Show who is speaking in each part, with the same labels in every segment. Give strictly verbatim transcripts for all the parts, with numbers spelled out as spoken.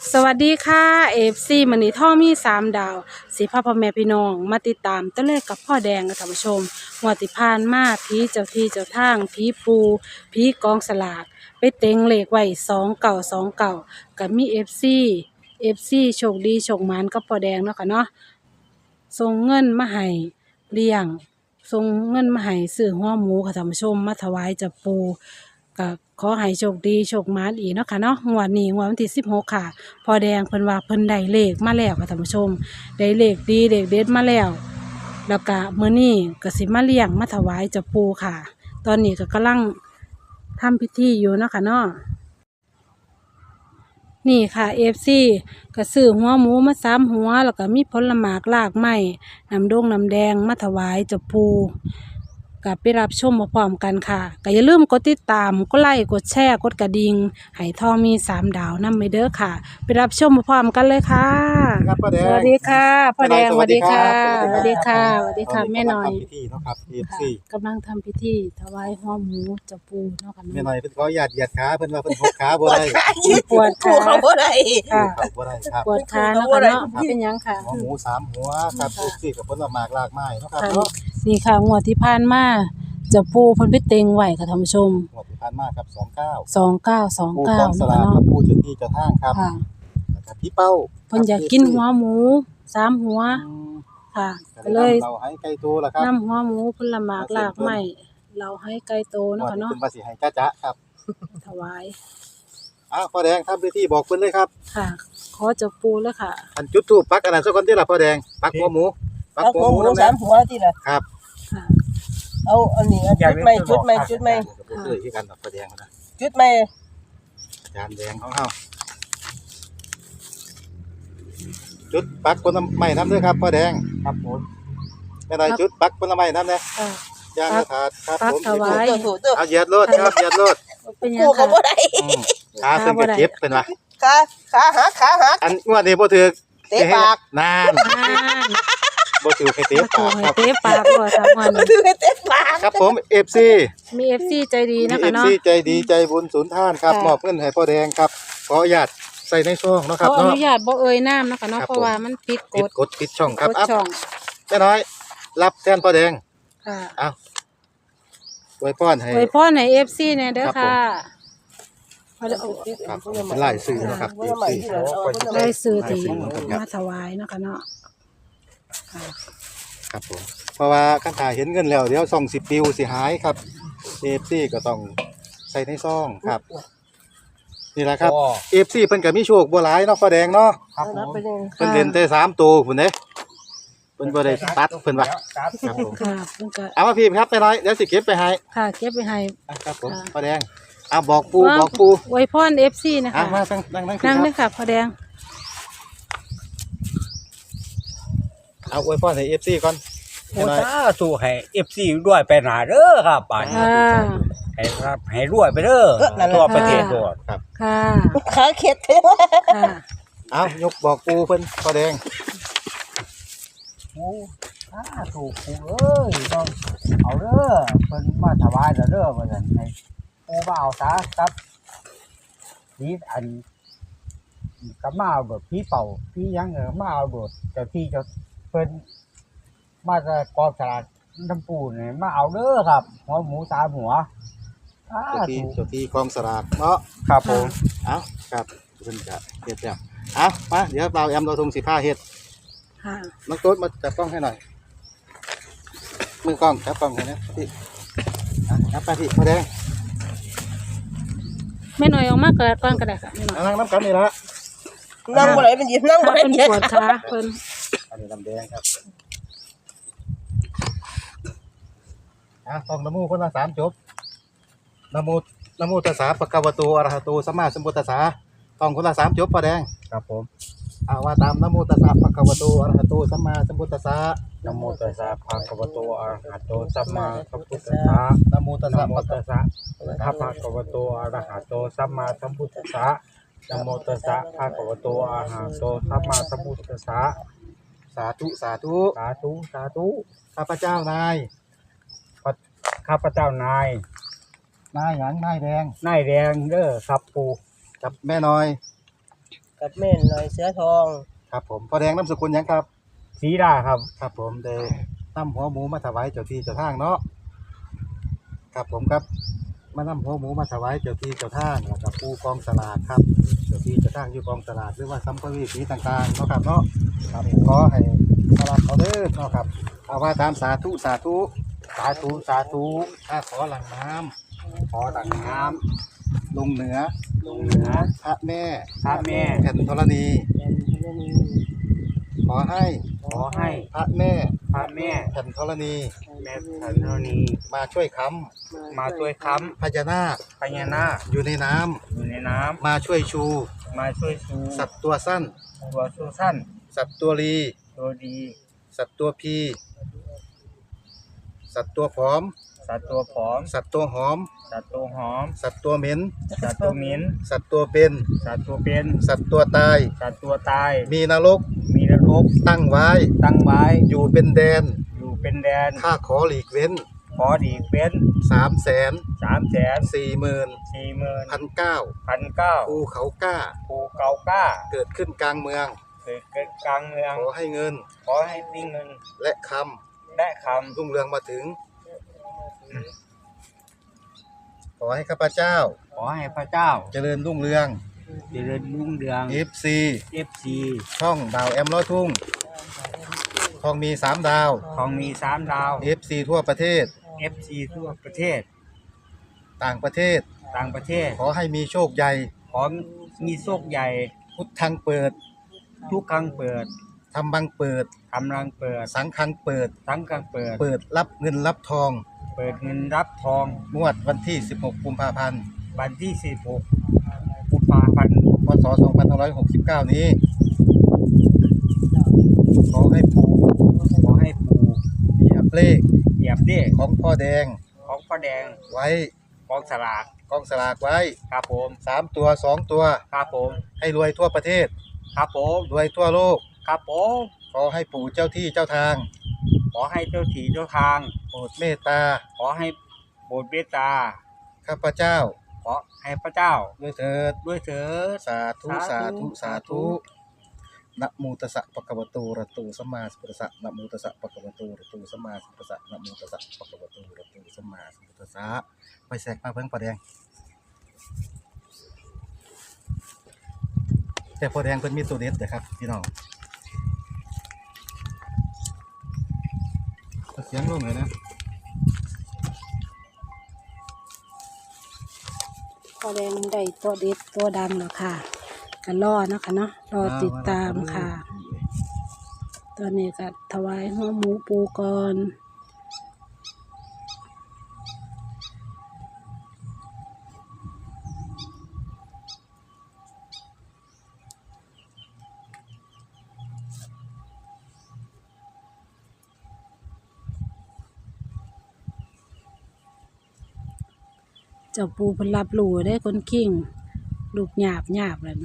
Speaker 1: สวัสดีค่ะเอฟซีมันนี่ท่อมีสามดาวสิพาพ่อแม่พี่น้องมาติดตามตัวเลขกับพ่อแดงกับท่านผู้ชมงวดที่ผ่านมาผีเจ้าที่เจ้าทางผีปูผีกองสลากไปเต็งเลขไว้สองเก่าสองเก่ากับมีเอฟซีเอฟซีโชคดีโชคหมานกับพ่อแดงเนาะค่ะเนาะส่งเงินมาให้เลี้ยงส่งเงินมาให้ซื้อหัวหมูค่ะท่านผู้ชมมาถวายเจ้าปูก็ขอให้โชคดีโชคหมานอีกเนาะค่ะเนาะงวดนี้งวดวันที่สิบหกค่ะพอแดงเพิ่นว่าเพิ่นได้เลขมาแล้วค่ะท่านผู้ชมได้เลขดีเลขเด็ดมาแล้วแล้วก็มื้อนี้ก็สิมาเลี้ยงมาถวายเจ้าปู่ค่ะตอนนี้ก็กำลังทำพิธีอยู่เนาะค่ะเนาะนี่ค่ะ เอฟ ซี ก็ซื้อหัวหมูมาสามหัวแล้วก็มีผลหมากรากไม้น้ำดงน้ำแดงมาถวายเจ้าปู่ก็ไปรับชมพร้อมๆกันค่ะก็อย่าลืมกดติดตามกดไลค์กดแชร์กดกระดิ่งให้ทองมีสามดาวนำไปเด้อค่ะไปรับชมพร้อมๆกันเลยค่ะ
Speaker 2: ครับพ่อแดง
Speaker 1: สวัสดีค่ะพ่อแดงส
Speaker 2: สวั
Speaker 1: วัส
Speaker 2: สดี
Speaker 1: ดี
Speaker 2: ครั
Speaker 1: ค่ะ
Speaker 2: บ
Speaker 1: สวัสดีค่ะสวัสดีค่ะแม่หน่อย
Speaker 2: ทำพิธีเนาะครับ เอฟ ซี
Speaker 1: กำลังทำพิธีถวายหัวหมูเจ้าปู่เนาะค่ะ
Speaker 2: แม่หน่อยเพิ่นขอหยาดเหยียดขาเพิ่นว่าเพิ่นหกขาบ่ได้
Speaker 1: ปวด
Speaker 3: ถู
Speaker 1: ขาก
Speaker 3: เขาบ่ได้
Speaker 1: ค่ะ
Speaker 2: ครับบ่ได้ครับ
Speaker 1: ปวดขาเนาะค่ะเนาะเป็นหยังค่ะ
Speaker 2: หัวหมูสามหัวครับ เอฟ ซี กับผลหมากรากไม้เนาะครับ
Speaker 1: ค่ะ
Speaker 2: เนาะ
Speaker 1: นี่ค่ะงวดที่ผ่านมาเจ้าปู่เพิ่นไปเต็งไว้ค่ะท่านผู้ชม
Speaker 2: งวดที่ผ่านมาครับสองเก้า
Speaker 1: สองเก้าสอง
Speaker 2: ผู้
Speaker 1: เก้า
Speaker 2: กองส
Speaker 1: เนาะ
Speaker 2: ลาก
Speaker 1: ค่ะ
Speaker 2: กับ
Speaker 1: เนาะ
Speaker 2: ผู้เจ้าที่เจ้าทางครับ
Speaker 1: ค่ะ
Speaker 2: แล้วก็พี่เป้า
Speaker 1: เพิ่นอยากกินหัวหมูสามหัว
Speaker 2: อืม
Speaker 1: ค่ะ
Speaker 2: ก็
Speaker 1: ก็
Speaker 2: เล
Speaker 1: เลย ย
Speaker 2: เราให้ไก่ตัวละครับ
Speaker 1: นำหัวหมูผลหมากลากไม้เราให้ไก่โตเนาะ
Speaker 2: งวด
Speaker 1: ค่ะ
Speaker 2: นี้
Speaker 1: เนาะ
Speaker 2: เพิ่นว่าสิให้จ้าจ๊ะครับ
Speaker 1: ถวาย
Speaker 2: อ้าวพ่อแดงทำพิธีบอกเพิ่นเลยครับ
Speaker 1: ค่ะ ขอเจ้าปู่เลยค่ะ
Speaker 2: อันจุดธูปปักอันนั้นซะก่อนที่ล่ะพ่อแดงปักหัวหมูปัก
Speaker 3: เอา
Speaker 2: หั
Speaker 3: หั
Speaker 2: ว
Speaker 3: ว
Speaker 2: ห
Speaker 3: ห
Speaker 2: มู
Speaker 3: มู
Speaker 2: นำ
Speaker 3: สา
Speaker 2: แน่
Speaker 3: มหัวที่ละ
Speaker 2: ครับ
Speaker 1: ค่ะ
Speaker 3: เอาอันนี้เอาจุดใหม่จุดใหม่จุดใหม่
Speaker 2: ก็บ่เคยคือกันดอกพ่อแดงนะ
Speaker 3: จุดใหม่
Speaker 2: จานแดงของเฮาจุดปักผลไม้น้ำเด้อครับพ่อแดงครับผมแม่นายจุดปักผลไม้น้ำเด้อ
Speaker 1: ค่ะ
Speaker 2: ย่างกระถาดครับ
Speaker 1: ปัก
Speaker 2: ผม
Speaker 1: ถวาย
Speaker 3: ถูกถูกถูก
Speaker 2: เอาเหยียดโลดครับเหยียดโลด
Speaker 1: เป็นหยั
Speaker 3: กู
Speaker 1: ง
Speaker 3: เขา
Speaker 1: ค่ะ
Speaker 3: บ่ได้
Speaker 2: อืมขาเพิ่นก็เจ็บเป็นว่า
Speaker 3: ขาขาหักขาหัก
Speaker 2: อันงวดนี้บ่ถูก
Speaker 3: เตะปาก
Speaker 2: นาน
Speaker 1: อ่า
Speaker 2: บ่ถูกให้เตะ
Speaker 1: มาถู
Speaker 2: ปาก
Speaker 1: ให้
Speaker 2: ครับ
Speaker 1: เตะปากก่อนค่ะมัน
Speaker 3: คือเตะปาก
Speaker 2: ครับผม เอฟ ซี
Speaker 1: มี เอฟ ซี ใจดี
Speaker 2: มี
Speaker 1: นะ
Speaker 2: เอ
Speaker 1: คะ
Speaker 2: ฟ
Speaker 1: เนาะ
Speaker 2: ซีใจดีใจบุญสุนทานครับ
Speaker 1: ค่ะ
Speaker 2: มอบเงินให้พ่อแดงครับขออนุญาตใส่ในซองเนาะครับ
Speaker 1: เขาอ
Speaker 2: เนาะ
Speaker 1: นุญาตบ่เอ่ยน้ำนะคะเนาะ
Speaker 2: ครับ
Speaker 1: เพราะว่ามันผิดก
Speaker 2: ปิด
Speaker 1: ฎ
Speaker 2: กดปิดช่องครับ
Speaker 1: กฎ
Speaker 2: อัพ
Speaker 1: ช่อง
Speaker 2: แม่น้อย รับแทนพ่อแดง
Speaker 1: ค่ะ
Speaker 2: เอาอวยพรให้
Speaker 1: อวยพรให้ เอฟ ซี แน่เด้อ
Speaker 2: ครับผม
Speaker 1: ค่ะเอาเด้อ
Speaker 2: ครับเป็นลายซื้อเนาะครับ เอฟ ซี
Speaker 1: ได้ซื้อที่
Speaker 2: ได้ซื้อเหมือนกันครับ
Speaker 1: มาถวายเนาะค่ะเนาะค่ะ
Speaker 2: ครับผมเพราะว่าคันถ่ายเห็นเงินแล้วเดี๋ยวซองสิปิวสิหายครับ เอฟ ซี ก็ต้องใส่ในซองครับ นี่แหละครับ เอฟ ซี เพิ่นก็มีโชคบ่หลายเนาะพ่อแดงเนาะ
Speaker 3: ครับผม
Speaker 2: เพิ่นเล่นแต่สามตัวพุ่นเด้เพิ่นบ่ได้ตัดเพิ่นว่าครับผม
Speaker 1: ค่ะเพิ่นก็
Speaker 2: เอามาพิมพ์ครับแม่น้อยเดี๋ยวสิเก็บไปให้
Speaker 1: ค่ะเก็บไปให้
Speaker 2: อ่ะครับผม
Speaker 1: ค่ะ
Speaker 2: พ่อแดงเอาบอกปูบอกปู
Speaker 1: อวยพร เอฟ ซี นะ
Speaker 2: อ่ะ
Speaker 1: คะ
Speaker 2: มาตั้งนั่งนั่ง
Speaker 1: นั่ง
Speaker 2: ค
Speaker 1: เล
Speaker 2: รั
Speaker 1: ย
Speaker 2: บ
Speaker 1: ค่ะพ่อแดง
Speaker 2: เอาอวยพรให้ เอฟ ซี ก่อน
Speaker 4: โอ้
Speaker 2: แม่น้อย
Speaker 4: สาธุให้ เอฟ ซี ด้วยไปหนาเด้อครับป่านนี้
Speaker 1: ค่ะ
Speaker 4: ให้ครับให้รวยไปเด้อทั่วประเทศด้วย
Speaker 1: ค่ะ
Speaker 3: ขาเข็ด
Speaker 1: ค่ะ
Speaker 2: เอายกบอกปูเพิ่นพ่อแดง
Speaker 4: โอ้สาธุปู่เอ้ยต้องเอาเด้อเพิ่นมาถวายแล้วเด้อว่าซั่นให้ปู่มาเอาซะครับนี่อันก็มาเอาโดดพี่เป่าพี่ยังเออมาเอาโดดเจ้าที่เจ้าเพิ่นมาจะกองสลากน้ำปูนี่มาเอาเด้อครับ หัวหมูสามหัวสา
Speaker 2: เจ้าที่
Speaker 4: ธุ
Speaker 2: เจ้าที่กองสลากเนาะ
Speaker 4: ครับผม
Speaker 2: เอาครับเพิ่นจะเฮ็ดแล้วเอามาเดี๋ยวเราแอมเราทงสิผ้าเฮ็ด
Speaker 1: ค่ะ
Speaker 2: น้องโต๊ดมาจับกล้องให้หน่อยมือกล้องจับกล้องให้นะพี่อ่ะจับไปพี่พ่อแดง
Speaker 1: แม่หน่อยออกมาเกิดก่อนก็ได้ค่ะแม่หน่อย
Speaker 2: เอานั่งน้ำกันนี่ละ
Speaker 3: นั่งบ่ได้เป็นหยิบนั่งบ่
Speaker 1: ค่ะ
Speaker 3: ได้
Speaker 1: เพิ่น
Speaker 3: เย็
Speaker 1: ปวดขาเพิ่น
Speaker 2: อันนี้น้ำแดงครับอ่ะต้องนโมคนละสามจบนโมนโมตัสสะปะคะวะโตอะระหะโตสัมมาสัมพุทธัสสะต้องคนละสามจบพ่อแดง
Speaker 4: ครับผม
Speaker 2: อาว่าตามนโมตัสสะปะคะวะโตอะระหะโตสัมมาสัมพุทธัสสะ
Speaker 4: นะโมตัสสะภะคะวะโตอะระหะโตสัมมาสัมพุทธัสสะ
Speaker 2: นโมตัส
Speaker 4: นะ
Speaker 2: สะ
Speaker 4: โม
Speaker 2: ปะ
Speaker 4: ตัสสะภะคะวะโตอะระหะโตสัมมาสัมพุทธัสสะนะโมตัสสะภะคะวะโตอะระหะโตสัมมาสัมพุทธัสสะ
Speaker 2: สาธุสาธุ
Speaker 4: สาธุสาธุ
Speaker 2: ข้าพเจ้านาย
Speaker 4: ข้าพเจ้านาย
Speaker 2: นายหยังนายแดง
Speaker 4: นายแดงเด้อครับปู่
Speaker 2: กับแม่น้อย
Speaker 3: กับแม่นหน่อยเสือทอง
Speaker 2: ครับผมพ่อแดงนามสกุลหยังครับ
Speaker 4: สีดาครับ
Speaker 2: ครับผมได้นำหัวหมูมาถวายเจ้าที่เจ้าทางเนาะครับผมครับมานำหัวหมูมาถวายเจ้าที่เจ้าทางแล้วก็ปูกองสลากครับเจ้าที่เจ้าทางอยู่กองสลากหรือว่าสัมภเวสีต่างๆเนาะครับเนาะครับขอให้สลากเขาเด้อเนาะครับเอาว่าตามสาธุสาธุ
Speaker 4: สาธุสาธุ
Speaker 2: ถ้าขอหลังน้ำ
Speaker 4: ขอตักน้
Speaker 2: ลงเหนือ
Speaker 4: ำลงเหนือ
Speaker 2: พระแม่
Speaker 4: พระแม่
Speaker 2: แผ่นธรณี
Speaker 3: เป็นพระนี
Speaker 2: ขอให้
Speaker 4: ขอให้
Speaker 2: พระแม่
Speaker 4: พระแม่
Speaker 2: แผ่นธรณี
Speaker 4: แม่ธรณี
Speaker 2: มาช่วยค้
Speaker 4: มาช่วยค้
Speaker 2: ำพญานาค
Speaker 4: ำพญานาค
Speaker 2: อยู่ในน้
Speaker 4: อยู่ในน้
Speaker 2: ำมาช่วยชู
Speaker 4: ำมาช่วยชู
Speaker 2: สัตว์ตัวสั้น
Speaker 4: ตัวสู้สั้น
Speaker 2: สัตว์ตัวรี
Speaker 4: ตัวดี
Speaker 2: สัตว์ตัวพี สัตว์ตัวผอม
Speaker 4: สัตว์ตัวผอม
Speaker 2: สัตว์ตัวหอม
Speaker 4: สัตว์ตัวหอม
Speaker 2: สัตว์ตัวเหม็น
Speaker 4: สัตว์ตัวเหม็น
Speaker 2: สัตว์ตัวเป็น
Speaker 4: สัตว์ตัวเป็น
Speaker 2: สัตว์ตัวตาย
Speaker 4: สัตว์ตัวตาย
Speaker 2: มีนรก
Speaker 4: มีนรก
Speaker 2: ตั้งไว้
Speaker 4: ตั้งไว้
Speaker 2: อยู่เป็นแดน
Speaker 4: อยู่เป็นแดน
Speaker 2: ข้าขอหลีกเว้น
Speaker 4: ขอดีเป็น
Speaker 2: สามแสน
Speaker 4: สามแสน
Speaker 2: สี่หมื่น
Speaker 4: สี่หมื่น
Speaker 2: พันเก้า
Speaker 4: พันเก้า
Speaker 2: ภูเขากล้า
Speaker 4: ภูเกาก้า
Speaker 2: เกิดขึ้นกลางเมือง
Speaker 4: เกิดเกิดกลางเมือง
Speaker 2: ขอให้เงิน
Speaker 4: ขอให้มีเงิน
Speaker 2: และค
Speaker 4: และค
Speaker 2: ำรุ่งเรืองมาถึง ขอให้ข้าพเจ้า
Speaker 4: ำขอให้พระเจ้า
Speaker 2: เจริญรุ่งเรือง
Speaker 4: เจริญรุ่งเรือง
Speaker 2: เอฟ ซี
Speaker 4: เอฟซี
Speaker 2: ช่องดาวแอมล้อทุ่งทองมีสามดาว
Speaker 4: ของมีสามดาว
Speaker 2: เอฟ ซี ทั่วประเทศ
Speaker 4: เอฟซีทั่วประเทศ
Speaker 2: ต่างประเทศ
Speaker 4: ต่างประเทศ
Speaker 2: ขอให้มีโชคใหญ่
Speaker 4: ขอมีโชคใหญ่
Speaker 2: พุทธังเปิด
Speaker 4: ทุกครั้งเปิด
Speaker 2: ธรรมังเปิด
Speaker 4: กำลังเปิด
Speaker 2: สังฆังเปิด
Speaker 4: ทั้งกลางเปิด
Speaker 2: เปิดรับเงินรับทอง
Speaker 4: เปิดเงินรับทอง
Speaker 2: งวดวันที่ สิบหก กุมภาพันธ์
Speaker 4: วันที่สิบหกกุมภาพันธ์
Speaker 2: พศ สองพันห้าร้อยหกสิบเก้า นี้ ขอให้ปู่
Speaker 4: ขอให้ปู่
Speaker 2: เหยียบเลข
Speaker 4: เหยียบเลข
Speaker 2: ของพ่อแดง
Speaker 4: ของพระแดง
Speaker 2: ไว้
Speaker 4: กองสลาก
Speaker 2: กองสลากไว้
Speaker 4: ครับผม
Speaker 2: สามตัวสองตัว
Speaker 4: ครับผม
Speaker 2: ให้รวยทั่วประเทศ
Speaker 4: ครับผม
Speaker 2: รวยทั่วโลก
Speaker 4: ครับผม
Speaker 2: ขอให้ปู่เจ้าที่เจ้าทาง
Speaker 4: ขอให้เจ้าที่เจ้าทาง
Speaker 2: โปรดเมตตา
Speaker 4: ขอให้โปรดเมตตา
Speaker 2: ข้าพเจ้า
Speaker 4: ขอให้พระเจ้า
Speaker 2: ด้วยเถิด
Speaker 4: ด้วยเถิด
Speaker 2: สาธุสา
Speaker 4: สาธุ
Speaker 2: ธุสาธุนะโมตัสสะปะคะวะโตอะระหะโตสัมมาสัมพุทธัสสะนะโมตัสสะปะคะวะโตอะระหะโตสัมมาสัมพุทธัสสะนะโมตัสสะปะคะวะโตอะระหะโตสัมมาสัมพุทธัสสะไปแสกมาเพิ่งพ่อแดงแต่พ่อแดงเพิ่นมีตัวเด็ดเด้อครับพี่น้องเอาเสียงลงเลยนะ
Speaker 1: พอแดงได้ตัวเด็ดตัวดังแล้วค่ะก็รอเนาะค่ะเนาะรอติดตามค่ะ ตอนนี้ก็ถวายหัวหมูปูก่อนเจ้าปูเพนรับรู้ได้คนขิงลูกหยาบหยาบเลยนะ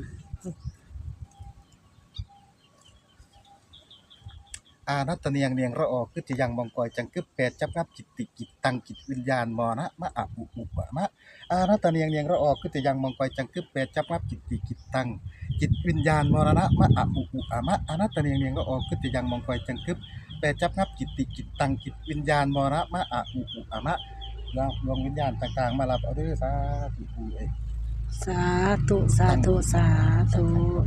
Speaker 2: อานัตตเนียงเนียงระออกคือจะยังมองกอยจังกึบแปดจับงับจิตติกิจตังจิตวิญญาณมอนะมะอะอุอุปะมะอานัตตเนียงเนียงระออกคือจะยังมองกอยจังกึบแปดจับงับจิตติกิจตังจิตวิญญาณมรณะมะอะอุอุอะมะอานัตตเนียงเนียงระออกคือจะยังมองกอยจังกึบแปดจับงับจิตติกิจตังจิตวิญญาณมรณะมะอะอุอุอะมะแล้วดวงวิญญาณต่างๆมารับเอาเด้อสาธุปู่เอ้ย
Speaker 1: สาธุสาธุสาธุ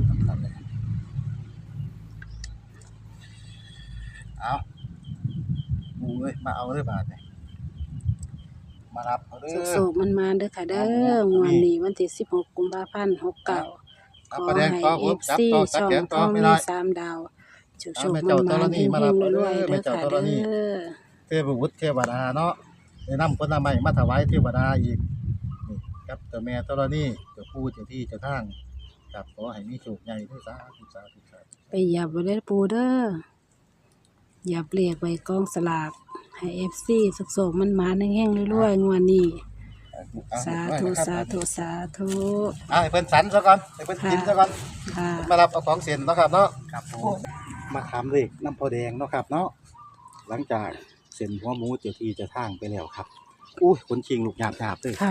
Speaker 2: เอาปู่เอ้ยมาเอาเด้อบาดนี่มารับเอาเด้อ
Speaker 1: สุกๆมันมาเด้อค่ะเด้องวดนี้วันที่สิบหกกุมภาพันธ์หกเก้าข
Speaker 2: เอา
Speaker 1: อ
Speaker 2: ประแด
Speaker 1: ให้
Speaker 2: งต่อผ
Speaker 1: เอ
Speaker 2: ม
Speaker 1: ฟ
Speaker 2: จับ
Speaker 1: ซี
Speaker 2: ต่อตัด
Speaker 1: ช่อง
Speaker 2: แขน
Speaker 1: ท
Speaker 2: ต่อ
Speaker 1: อง
Speaker 2: ไม่
Speaker 1: มี
Speaker 2: ได้
Speaker 1: สามดาวโชค
Speaker 2: เอา
Speaker 1: ๆ
Speaker 2: แม่
Speaker 1: มัน
Speaker 2: เจ้า
Speaker 1: มา
Speaker 2: ธรณี
Speaker 1: เฮง
Speaker 2: มารับ
Speaker 1: ๆ
Speaker 2: เอา
Speaker 1: ร
Speaker 2: เด้อ
Speaker 1: วยๆ
Speaker 2: แม่
Speaker 1: เด้อ
Speaker 2: เจ้า
Speaker 1: ค่ะ
Speaker 2: ธรณี
Speaker 1: เด้อ
Speaker 2: เทพบุตรเทวดาเนาะได้นำผลไม้มาถวายเทวดาอีกนี่ครับเจ้าแม่ธรณีเจ้าปู่เจ้าที่เจ้าทางครับขอให้มีโชคใหญ่ด้วยสาธุสาธุสาธุ
Speaker 1: ไปเหยับไว้ได้อปูเด้อเหยับเรียกไว้กองสลากให้เอฟซีสุกๆมันมาแห้งๆรวยๆงวดนี้สาธุสาธุสาธุ
Speaker 2: อ่าให้เพิ่นสันซะก่อนให้เพิ่นกินซะก่อน
Speaker 1: ค่ะ
Speaker 2: มารับเอาของเส้นเนาะครับเนาะ
Speaker 4: ครับผม
Speaker 2: มาถามเลขน้ำพอแดงเนาะครับเนาะหลังจากเส้นหัวหมูเจ้าที่เจ้าทางไปแล้วครับอุ้ยคนชิงลูกหยาบๆเลย
Speaker 1: ค่ะ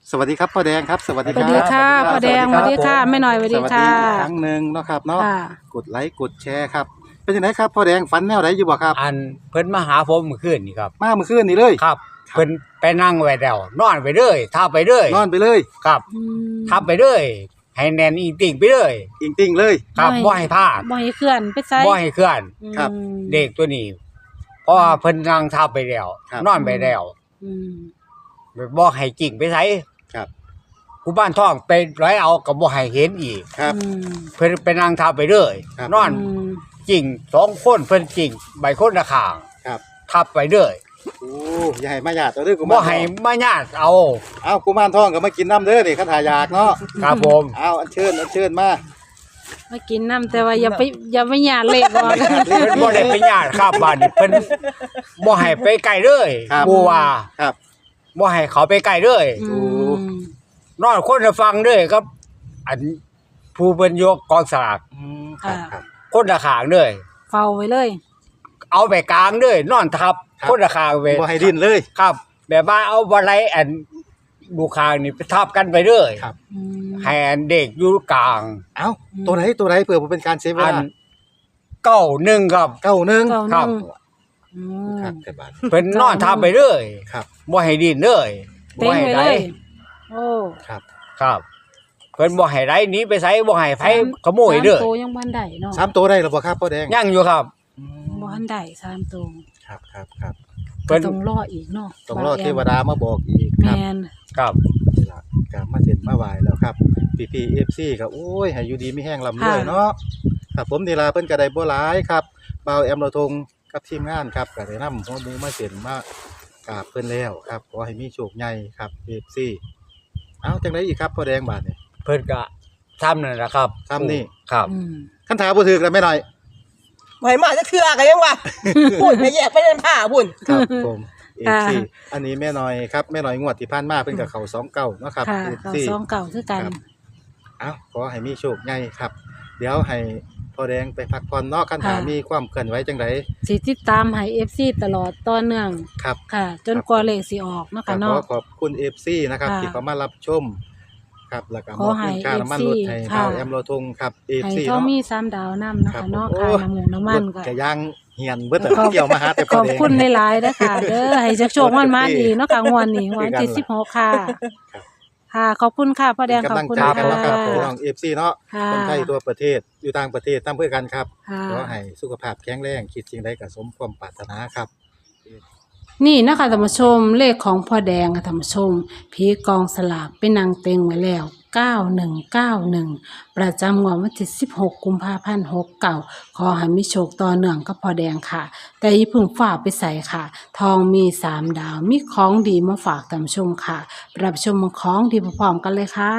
Speaker 2: สวัสดีครับพ่อแดงครับสวัสดี
Speaker 1: ส
Speaker 2: ค
Speaker 1: วั
Speaker 2: รั
Speaker 1: ส
Speaker 2: บ
Speaker 1: ดีค่ะพ่อแดงสวัสดีค่ะแม่หน่อยสวัส
Speaker 2: ส
Speaker 1: ดี
Speaker 2: วัสดี
Speaker 1: ค่ะ
Speaker 2: อีกครั้งหนึ่งเนาะครับเนาะ
Speaker 1: ค่ะ
Speaker 2: กดไลค์กดแชร์ครับเป็นยังไงครับพ่อแดงฝันแนวไหนอยู่บ่ครับ
Speaker 4: อันเพิ่นมาหาผมเมื่อคืนนี่ครับ
Speaker 2: มาเมื่อคืนนี่เลย
Speaker 4: ครับเพิ่นไปนั่งไว้แล้วนอนไปเลยทับไปเลย
Speaker 2: นอนไปเลย
Speaker 4: ครับ
Speaker 1: อืม
Speaker 4: ทับไปเลยให้แน่นอีติ่งไปเลย
Speaker 2: อิงติ่งเลย
Speaker 4: ครับ
Speaker 1: ไม่
Speaker 4: บ่ให้พลาด
Speaker 1: บ่ให้เคลื่อนไปไส
Speaker 4: บ่ให้เคลื่อน
Speaker 2: ครับ
Speaker 1: อืม
Speaker 4: เด็กตัวนี้เพราะว่าเพิ่นนั่งทับไปแล้ว
Speaker 2: ครับ
Speaker 4: นอนไปแล้ว
Speaker 1: อืม
Speaker 4: บ่ให้กิ่งไปไส
Speaker 2: ครับ
Speaker 4: ผู้บ้านท้องไปร้อยเอาก็บ่ให้เห็นอีก
Speaker 2: ครับ
Speaker 1: อืม
Speaker 4: เพิ่นไปนั่งทับไปเลย
Speaker 2: ครับ
Speaker 4: นอน
Speaker 1: อืม
Speaker 4: กิ่งสองคนเพิ่นกิ่งใบคนละข้าง
Speaker 2: ครับ
Speaker 4: ทับไปเลย
Speaker 2: โอ้อย่าให้มาหยาดเอาเด้อกู
Speaker 4: บ่
Speaker 2: มาร
Speaker 4: ให้
Speaker 2: ทอง
Speaker 4: มาญาติเอา
Speaker 2: เอากูมารทองก็มากินน้ำเด้อนี่คันหายากเนาะ
Speaker 4: ครับผม
Speaker 2: เอาอันเชิญอันเชิญมา
Speaker 1: มากินน้ำแต่ว่าอย่าไปอย่าไปหยาดเลขก่อน
Speaker 4: เพิ่นบ่ได้ไปญาติครับบ้านนี้เพิ่นบ่ให้ไปไกลเลย
Speaker 2: ครับ
Speaker 4: ผู้ว่า
Speaker 2: ครับ
Speaker 4: บ่ให้เขาไปไกลเลย
Speaker 1: อืม
Speaker 4: นอนคนละฟังเด้อครับ อันผู้เพิ่นยกกองสลาก
Speaker 2: อืมครับครับ
Speaker 4: คนละข้างเด้อ
Speaker 1: เฝ้าไว้เลย
Speaker 4: เอาไปกลางเด้อนอนทับ
Speaker 2: ครับ
Speaker 4: คนละข้างเว้ย
Speaker 2: บ่ให้ดิ้นเลย
Speaker 4: ครับ แบบว่าเอาบ่ไหลอันดูข้างนี่ไปทับกันไปเด้อ
Speaker 2: ครับ
Speaker 1: อืม
Speaker 4: ให้อันเด็กอยู่กลาง
Speaker 2: เอ้าตัวไหนตัวไหนเผื่อบ่เป็นการเซฟเว
Speaker 4: อัน
Speaker 2: ลา
Speaker 4: เก้าหนึ่งครับ
Speaker 2: เก้าหนึ่ง
Speaker 1: เก้าห
Speaker 4: ครั
Speaker 1: นึ่
Speaker 4: บ
Speaker 1: งอืม
Speaker 2: ครับแต่บาท
Speaker 4: เพิ่นนอนทับไปเด้อ
Speaker 2: ครับ
Speaker 4: บ่ให้ดิ้นเด้อ
Speaker 1: เต็ง
Speaker 4: ให้
Speaker 1: ไว้
Speaker 4: ไหล
Speaker 1: เลยโอ้
Speaker 2: ครับ
Speaker 4: ครับเพิ่นบ่ให้ไหลหนีไปไสบ่ให้ไผขโมยเด้อ
Speaker 1: สามตัวยังบ่ทันได้เนาะ
Speaker 2: สามตัวได้หรือเปล่าครับพ่อแดง
Speaker 4: ยังอยู่ครับ
Speaker 2: อืม
Speaker 1: บ่ทันได้สามตัว
Speaker 2: ครับครับครับ
Speaker 4: เพิ่น
Speaker 1: ก็ต้องรออีกเนาะ
Speaker 2: ต้องรอเทวดามาบอกอีกค
Speaker 1: แม
Speaker 2: รับ
Speaker 1: น
Speaker 4: ครับ
Speaker 2: นี่ล่ะกลับมาเสร็จมาไหวแล้วครับพี่พีเอฟซีก็โอ้ยให้อยู่ดีไม่แห้งลำเลยเนาะครับผมนี่ล่ะเพิ่นก็ได้บ่หลายครับบ่าวแอมเราทงกับทีมงานครับก็ได้นำหัวหมูมาเสร็จมากราบเพิ่นแล้วครับขอให้มีโชคใหญ่ครับ เอฟ ซี เอ้าจังไดอีกครับพ่อแดงบาดนี่
Speaker 4: เพิ่นก็ซ้ำนั่นแหละครับ
Speaker 2: ซ้ำนี่
Speaker 4: ครับ
Speaker 1: อืม
Speaker 2: คันถาบ่ถึกแล้วแม่น้อย
Speaker 3: ไหวมาจะเทื่อกันยังวะ บุญไปแยกไปเดินผ้าบุญ
Speaker 2: ครับผม เอฟ ซี อันนี้แม่น้อยครับแม่น้อยงวดที่ผ่านมาเพิ่นก็เข้าสองเก้าเนาะครับ
Speaker 1: ค่ะ
Speaker 2: เอฟ
Speaker 1: เก่า
Speaker 2: ซี
Speaker 1: สองเก่าคือกัน
Speaker 2: ครับ เอ้าขอให้มีโชคใหญ่ครับ เดี๋ยวให้พ่อแดงไปพักผ่อนเนาะคันถา
Speaker 1: ค่ะ
Speaker 2: มีความเคลื่อนไหวจังได
Speaker 1: สิติดตามให้ เอฟ ซี ตลอดต่อเนื่อง
Speaker 2: ครับ
Speaker 1: ค่ะ จนกว่าเลขสิออกเนาะ
Speaker 2: ก็
Speaker 1: ค่ะ
Speaker 2: ขอ
Speaker 1: เนาะ
Speaker 2: ขอบคุณ เอฟ ซี นะครับ
Speaker 1: ค่ะ
Speaker 2: ที่เข้ามารับชม ครับแล้วก็
Speaker 1: ข
Speaker 2: ม
Speaker 1: อ
Speaker 2: อบ
Speaker 1: ให้
Speaker 2: เงินค่าน้ำมันรถให้
Speaker 1: เอฟซี
Speaker 2: เฮา
Speaker 1: ค่ะ
Speaker 2: แอมโลทงครับ เอฟ
Speaker 1: ให้
Speaker 2: ซี
Speaker 1: เขา
Speaker 2: เนาะ
Speaker 1: มีสามดาวนํเนาะ
Speaker 2: ครั
Speaker 1: ค่ะ
Speaker 2: บ
Speaker 1: เนาะ
Speaker 2: โอ้
Speaker 1: ค่าน้ำหมูน้ำมันก็
Speaker 2: รถก็ย่างเหียนเบิดแต่
Speaker 1: ขอบ
Speaker 2: เกี่ยวมาหาแต่
Speaker 1: ข
Speaker 2: พ่อ
Speaker 1: อบ
Speaker 2: แดง
Speaker 1: คุณหลายๆเด้อค่ะ เด้อให้จักโชคมันมาอีกเนาะค่ะงวดนี้วันที่สิบหกค่ะ ค่ะขอบคุณค่ะพ่อแดง
Speaker 2: เป็น
Speaker 1: ขอบ
Speaker 2: กำลัง
Speaker 1: คุณ
Speaker 2: ใจ
Speaker 1: ค่ะ
Speaker 2: กันนะครับพี่น้อง เอฟ ซี เนาะ
Speaker 1: ค่ะ
Speaker 2: คนไทยตัวประเทศอยู่ต่างประเทศทำเพื่อกันครับ
Speaker 1: ค่ะ
Speaker 2: ขอให้สุขภาพแข็งแรงคิดสิ่งใดก็สมความปรารถนาครับ
Speaker 1: นี่นะคะท่านผู้ชมเลขของพ่อแดงค่ะท่านผู้ชมผีกองสลากเป็นนางเต็งไว้แล้วเก้าหนึ่งเก้าหนึ่งประจำงวดวันที่สิบหกกุมภาพันธ์หกเก้าขอให้มีโชคต่อเนื่องกับพ่อแดงค่ะ แต่อย่าเพึ่งฝ่าไปใส่ค่ะ ทองมีสามดาวมีของดีมาฝากท่านผู้ชมค่ะรับชมของดีพร้อมๆกันเลยค่ะ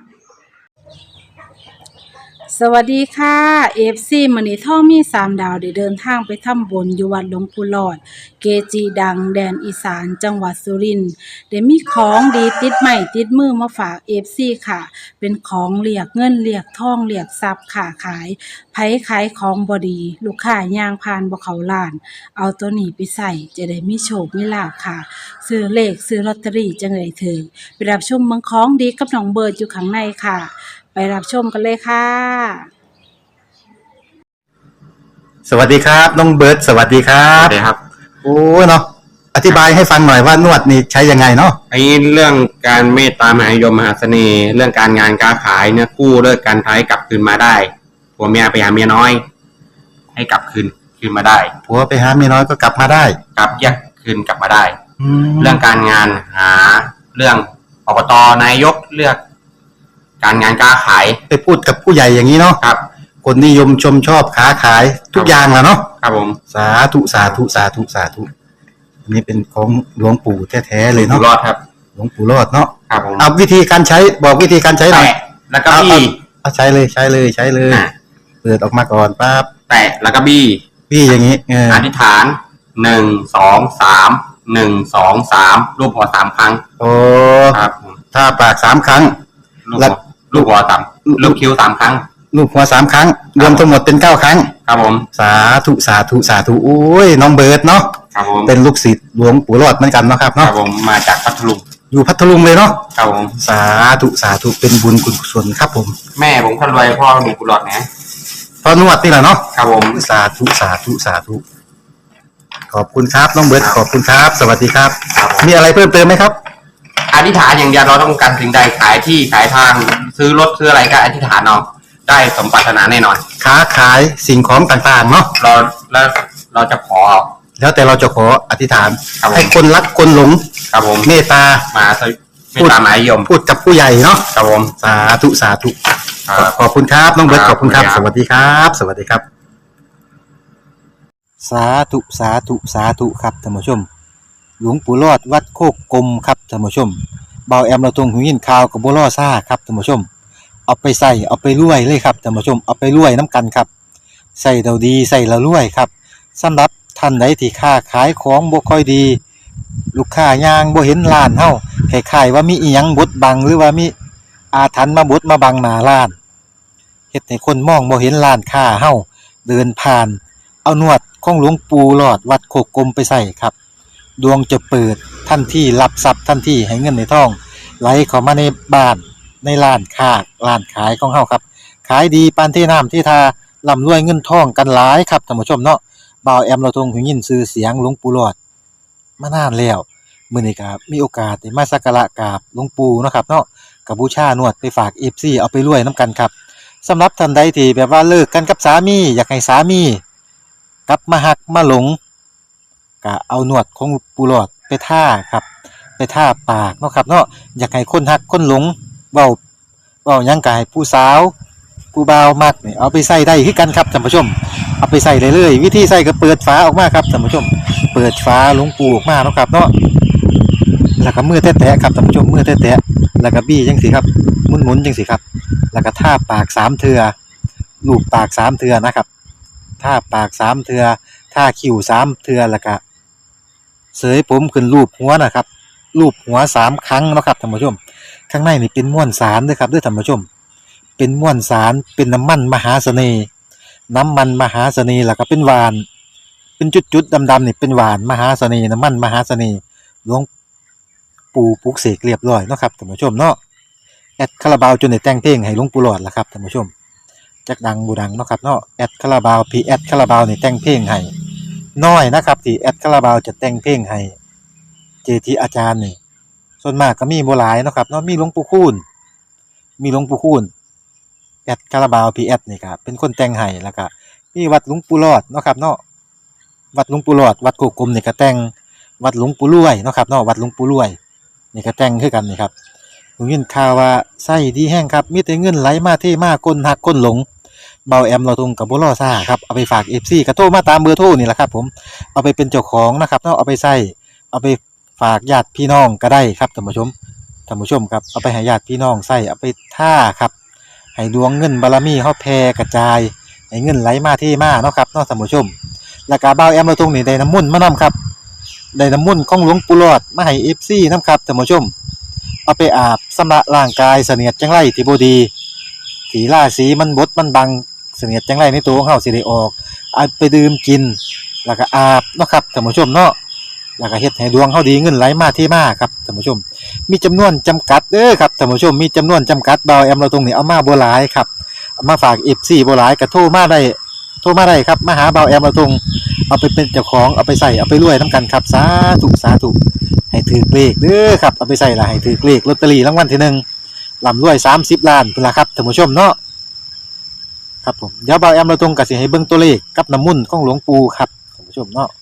Speaker 1: สวัสดีค่ะ เอฟ ซี มื้อนี้ท่องมีสามดาวได้เดินทางไปทำบุญอยู่วัดหลวงปู่หลอด เกจิดังแดนอีสานจังหวัดสุรินทร์ได้มีของดีติดใหม่ติดมือมาฝาก เอฟ ซี ค่ะ เป็นของเรียกเงินเรียกทองเรียกทรัพย์ค้าขายไผขายของบ่ดี ลูกค้าย่างผ่านบ่เข้าร้าน เอาตัวนี้ไปใส่จะได้มีโชคมีลาภค่ะ ซื้อเลขซื้อลอตเตอรี่จังได๋ถึงไปรับชมเมืองของดีกับน้องเบิร์ดอยู่ข้างในค่ะ ไปรับชมกันเลยค่ะ
Speaker 2: สวัสดีครับน้องเบิร์ดสวัสดีครั
Speaker 5: ครับ บสวัสดีครับ
Speaker 2: โอ้เนาะอธิบายให้ฟังหน่อยว่านวดนี่ใช้ยังไงเนาะ
Speaker 5: ไอ้เรื่องการเมตตามหานิยมมหาเสน่ห์ เรื่องการงานการขายเนี่ยกู้เลิกการท้ายกลับคืนมาได้ผัวเมียไปหาเมียน้อย ให้กลับคืนคืนมาได้
Speaker 2: ผัวไปหาเมียน้อยก็กลับมาได้
Speaker 5: กลับแยกคืนกลับมาได้
Speaker 2: แล้
Speaker 5: เรื่
Speaker 2: ว
Speaker 5: องการงานหาเรื่องอบตนายกเลือก การงานการขาย
Speaker 2: ไปพูดกับผู้ใหญ่อย่างนี้เนาะ
Speaker 5: ครับ
Speaker 2: คนนิยมชมชอบค้าขายทุกอย่างแหละเนาะ
Speaker 5: ครับผม
Speaker 2: สาธุสาธุสาธุสาธุอันนี้เป็นของหลวงปู่แท้ๆเลย
Speaker 5: อยู่
Speaker 2: เนาะ
Speaker 5: รอดครับ
Speaker 2: หลวงปู่รอดเนาะ
Speaker 5: ครับผม
Speaker 2: เอาวิธีการใช้บอกวิธีการใช้หน่อย
Speaker 5: แตะแล้วก็บี้
Speaker 2: เอาใช้เลยใช้เลยใช้เลย
Speaker 5: อ่ะ
Speaker 2: เปิดออกมาก่อนปั๊บ
Speaker 5: แตะแล้วก็บี้
Speaker 2: พี่อย่างนี้เออ
Speaker 5: อธิษฐานหนึ่งสองสามหนึ่งสองสามรูปหัวสามครั้ง
Speaker 2: โอ้
Speaker 5: ครับผม
Speaker 2: ถ้าปากสามครั้ง
Speaker 5: ลูก
Speaker 2: แล้
Speaker 5: หั
Speaker 2: ว
Speaker 5: วลูกหัวสามลูกคิ้วสามครั้ง
Speaker 2: ลูกหัวสามครั้ง รวมทั้งหมดเป็นเก้าครั้ง
Speaker 5: ครับผม
Speaker 2: สาธุสาธุสาธุโอ้ยน้องเบิร์ดเนาะ
Speaker 5: ครับผม
Speaker 2: เป็นลูกศิษย์หลวงปู่รอดเหมือนกันเนาะครับ
Speaker 5: ครั
Speaker 2: เนาะ
Speaker 5: บผมมาจากพัทลุง
Speaker 2: ออยู่พัทลุงเลยเนาะ
Speaker 5: ครับผม
Speaker 2: สาธุสาธุเป็นบุญกุศลครับผม
Speaker 5: แม่ผมคนรวยพ่อมีกุหลาบนะ
Speaker 2: พอนวดนี่แหละเนาะ
Speaker 5: ครับผม
Speaker 2: สาธุสาธุสาธุขอบคุณครับน้องเบิร์ดขอบคุณครับ สวัสดีครับ
Speaker 5: ครับผม
Speaker 2: มีอะไรเพิ่มเติมไหมครับ
Speaker 5: อธิษฐานอย่างเดียวเราต้องการสิ่งใดขายที่ขายทางซื้อรถซื้ออะไรก็อธิษฐานเอาได้สมปรารถนาแน่นอน
Speaker 2: ค้าขายสิ่งของต่างๆเนาะ
Speaker 5: เราแล้วเราจะขอ
Speaker 2: แล้วแต่เราจะขออธิษฐาน
Speaker 5: ครับผม
Speaker 2: ให้คนรักคนหลง
Speaker 5: ครับผม
Speaker 2: เมตตา
Speaker 5: มาสวิไม่ตามหมายยม
Speaker 2: พูดกับผู้ใหญ่เนาะ
Speaker 5: ครับผม
Speaker 2: สาธุสาธุ
Speaker 5: ครับ
Speaker 2: ขอบคุณครับน้องเบิร์ต
Speaker 5: ค
Speaker 2: ข
Speaker 5: รับ
Speaker 2: อบคุณครับ
Speaker 5: ขอบ
Speaker 2: ส
Speaker 5: คุณครับ
Speaker 2: วัสดีครับ สวัสดีครับ สาธุสาธุสาธุครับท่านผู้ชม หลวงปู่รอดวัดโคกกลมครับท่านผู้ชมเบาแอมเราตรงหูยินข่าวกับบัวล่อซ่าครับท่านผู้ชม เอาไปใส่เอาไปรวยเลยครับท่านผู้ชมเอาไปรวยน้ำกันครับใส่เราดีใส่เรารวยครับสำหรับท่านใดที่ค้าขายของบ่ค่อยดี ลูกค้ายางบ่เห็นร้านเฮาคล้ายๆว่ามีอีหยังบดบังหรือว่ามีอาถรรพ์มาบดมาบังหน้าร้านเฮ็ดให้คนมองบ่เห็นร้านค้าเฮาเดินผ่าน เอานวดของหลวงปู่หลอดวัดโคกกลมไปใส่ครับ ดวงจะเปิดทันทีรับทรัพย์ทันทีให้เงินในท้องไหลเข้ามาในบ้านในร้านค้าร้านขายของเฮาครับ ขายดีปานที่น้ำที่ทาร่ำรวยเงินทองกันหลายครับท่านผู้ชมเนาะบ่าวแอมเราทรงหูยินชื่อเสียงหลวงปู่หลอดมานานแล้วมื้อนี้ก็มีโอกาสได้มาสักการะกราบหลวงปู่เนาะครับเนาะก็บูชานวดไปฝาก เอฟ ซี เอาไปรวยนํกันครับสำหรับท่านใดที่แบบว่าเลิกกันกับสามีอยากให้สามีกลับมาฮักมาหลงก็เอานวดของปู่หลอดไปท่าครับไปท่าปากเนาะครับเนาะอยากให้คนฮักคนหลงเว้าเว้าหยังก็ให้ผู้สาวผู้บ่าวมักนี่เอาไปใส่ได้คือกันครับท่านผู้ชมเอาไปใส่เลยเลยวิธีใส่ก็เปิดฝาออกมาครับท่านผู้ชมเปิดฝาหลวงปู่ออกมาเนาะครับเนาะแล้วก็มือแตะๆครับท่านผู้ชมมือแตะๆแล้วก็บี้จังซี่ครับหมุนๆจังซี่ครับแล้วก็ท่าปากสามเทื่อลูบปากสามเทื่อนะครับท่าปากสามเทื่อท่าคิ้วสามเทื่อแล้วก็เสยผมขึ้นรูปหัวนะครับรูปหัวสามครั้งเนาะครับท่านผู้ชมข้างในนี่เป็นม้วนสารเด้อครับเด้อท่านผู้ชมเป็นม้วนสารเป็นน้ำมันมหาเสน่ห์น้ำมันมหาเสน่ห์แล้วก็เป็นหวานเป็นจุดๆดำๆนี่เป็นหวานมหาเสน่ห์น้ำมันมหาเสน่ห์หลวงปู่ปลุกเสกเรียบร้อยเนาะครับท่านผู้ชมเนาะแอดคาราบาวจนได้แต่งเพลงให้หลวงปู่หลอดล่ะครับท่านผู้ชมจักดังบูดังเนาะครับเนาะแอดคาราบาวพีแอดคาราบาวนี่แต่งเพลงให้น้อยนะครับที่แอดคาราบาวจะแต่งเพลงให้เจทีอาจารย์นี่ส่วนมากก็มีบ่หลายเนาะครับเนาะมีหลวงปู่คูณมีหลวงปู่คูณแอดคาราบาวพีแอดนี่ครับเป็นคนแต่งให้แล้วก็มีวัดหลวงปู่หลอดเนาะครับเนาะวัดหลวงปู่หลอดวัดโคกกลมนี่ก็แต่งวัดหลวงปู่รวยเนาะครับเนาะวัดหลวงปู่รวยนี่ก็แต่งคือกันนี่ครับผมยินข่าวว่าไส้ดีแห้งครับมีแต่เงินไหลมาเทมาคนหักคนหลงเบาแอมเราตรงกับบ่รอซ่าครับเอาไปฝาก เอฟ ซี ก็โทรมาตามเบอร์โทรนี่แหละครับผมเอาไปเป็นเจ้าของนะครับเนาะเอาไปใส่เอาไปฝากญาติพี่น้องก็ได้ครับท่านผู้ชมท่านผู้ชมครับเอาไปให้ญาติพี่น้องใส่เอาไปท่าครับให้ดวงเงินบารมีเฮาแผ่กระจายให้เงินไหลมาเทมาเนาะครับเนาะท่านผู้ชมแล้วก็เบาแอมเราตรงนี่ได้น้ำมุ่นต์มานํครับได้น้ำมุ่นต์ของหลวงปู่หลอดมาให้ เอฟ ซี นํครับท่านผู้ชมเอาไปอาบสำระร่างกายเสนียดจังไรที่บ่ดีที่ราศีมันบดมันบังเสนียดจังไรในตัวของเฮาสิได้ออกเอาไปดื่มกินแล้วก็อาบเนาะครับท่านผู้ชมเนาะแล้วก็เฮ็ดให้ดวงเฮาดีเงินไหลมาเทมาครับท่านผู้ชมมีจำนวนจำกัดเด้อครับท่านผู้ชมมีจำนวนจำกัดเบาแอมเราตรงนี้เอามาบ่หลายครับเอามาฝาก เอฟ ซี บ่หลายก็โทรมาได้โทรมาได้ครับมาหาเบาแอมเราตรงเอาไปเป็นเจ้าของเอาไปใส่เอาไปรวยนํกันครับสาธุสาธุให้ถือเลขเด้อครับเอาไปใส่ละให้ถือเลขลอตเตอรี่รางวัลที่หนึ่งร่ำรวยสามสิบล้านพุ่นล่ะครับท่านผู้ชมเนาะครับผมเดี๋ยวเบาแอมเราตรงก็สิให้เบิ่งตัวเลขกับน้ำมุ่นต์ของหลวงปู่ครับท่านผู้ชมเนาะ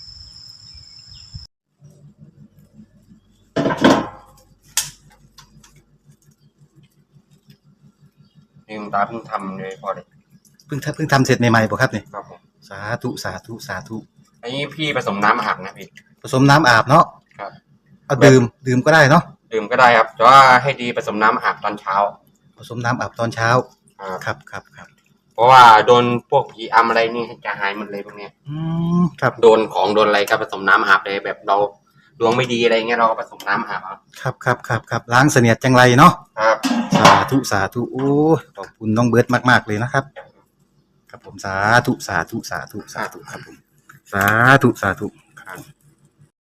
Speaker 5: นี่คุณตาเพิ่งทำเลยพอเลย
Speaker 2: เพิ่งทำเพิ่งทำเสร็จใหม่ๆบ่ครับนี่
Speaker 5: ครับผม
Speaker 2: สาธุสาธุสาธุ
Speaker 5: อันนี้พี่ผสมน้ำอาบนะพี่
Speaker 2: ผสมน้ำอาบเนาะ
Speaker 5: ครับ
Speaker 2: เอาดื่มดื่มก็ได้เนาะ
Speaker 5: ดื่มก็ได้ครับแต่ว่าให้ดีผสมน้ำอาบตอนเช้า
Speaker 2: ผสมน้ำอาบตอนเช้า
Speaker 5: ครับ
Speaker 2: ครับครับครับ
Speaker 5: เพราะว่าโดนพวกผีอำอะไรนี่จะหายหมดเลยพวกเนี้ย
Speaker 2: อืมครับ
Speaker 5: โดนของโดนอะไรก็ผสมน้ำอาบเลยแบบเราดวงไม่ดีอะไรเงี้ยเราก็ผสมน้ำอาบเอา
Speaker 2: ครับครับครับครับล้างเสนียดจังไรเนาะ
Speaker 5: ครับ
Speaker 2: สาธุสาธุโอ้ยขอบคุณน้องเบิร์ดมากๆเลยนะครับครับผมสาธุสาธุสาธุสาธุครับผมสาธุสาธุ
Speaker 5: ครับ